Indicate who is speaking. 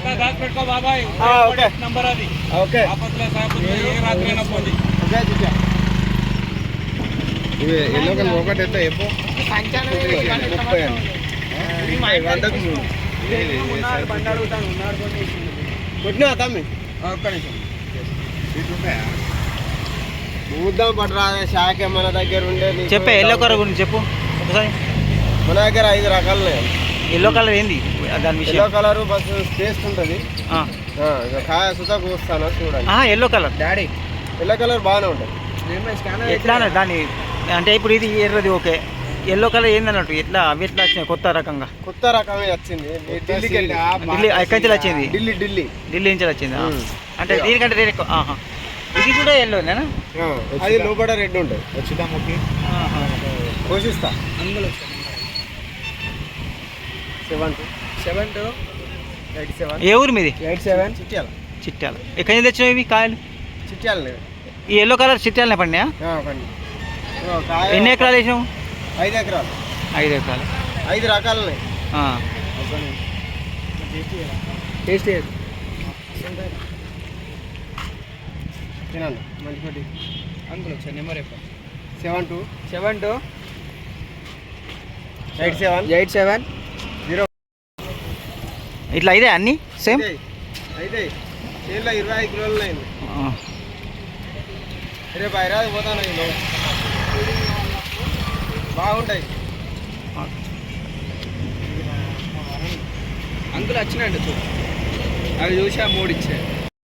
Speaker 1: Number అది
Speaker 2: okay
Speaker 1: ఏ రాత్రైనా పోండి.
Speaker 2: ఇవి ఎల్లో కలర్ ఒకటి ఎంత చెప్పు 30 అండి. 100కు 3 కొట్టినా తమ్మి
Speaker 1: ఒక్క నిమిషం
Speaker 2: చూద్దాం పట్టరా శాఖ మన దగ్గర ఉండే
Speaker 3: చెప్పే ఎల్లో కలర్ గురించి చెప్పు ఒకసారి.
Speaker 2: మన దగ్గర 5 రకాలు ఉన్నాయి.
Speaker 3: ఎల్లో కలర్ ఏంది దాని విషయం?
Speaker 2: ఎల్లో కలర్ బస్ టేస్ట్ ఉంటుంది. కాయ సుతా కూస్తాను చూడండి.
Speaker 3: Yellow colour
Speaker 1: daddy
Speaker 2: yellow colour బాగానే ఉంటుంది.
Speaker 3: ఎట్లా దాని అంటే ఇప్పుడు ఇది ఎర్రది ఓకే, ఎల్లో కలర్ ఏంది అన్నట్టు ఎట్లా అవి ఎట్లా వచ్చినాయి కొత్త రకంగా?
Speaker 2: కొత్త రకమే వచ్చింది.
Speaker 3: ఢిల్లీ ఎక్కడి నుంచి వచ్చింది?
Speaker 2: ఢిల్లీ
Speaker 3: నుంచి వచ్చింది. అంటే దీనికంటే రేట్ ఎక్కువ. ఇది కూడా ఎల్లోనేనా?
Speaker 2: అది లోపల రెడ్ ఉంటుంది. వచ్చిద్దాముకి కోసిస్తా.
Speaker 1: అందులో
Speaker 2: 7287
Speaker 3: ఏ ఊరు మీది?
Speaker 2: 87 చిట్యాల.
Speaker 3: చిట్యాల. ఎక్కడి నుంచి తెచ్చినావు ఇవి కాయలు?
Speaker 2: చిట్యాల
Speaker 3: ఈ ఎల్లో కలర్ చిట్యాలనే పడినాయా? ఎన్ని ఎకరాలు వేసినావు?
Speaker 2: 5 ఎకరాలు.
Speaker 3: 5 ఎకరాలు.
Speaker 2: 5 రకాలు ఉన్నాయి.
Speaker 1: టేస్ట్
Speaker 2: తినండి మంచి.
Speaker 1: అందులో వచ్చా నెంబర్
Speaker 2: 7287
Speaker 3: ఇట్లా ఇదే అన్నీ సేమ్?
Speaker 2: అయితే చేనులో 25 కిలోలు ఉన్నాయి. రేపు హైదరాబాద్ పోతాను. బాగుంటాయి.
Speaker 1: అందులో వచ్చినాయండి చూడు, అవి చూసి ఆ 3 ఇచ్చాయి.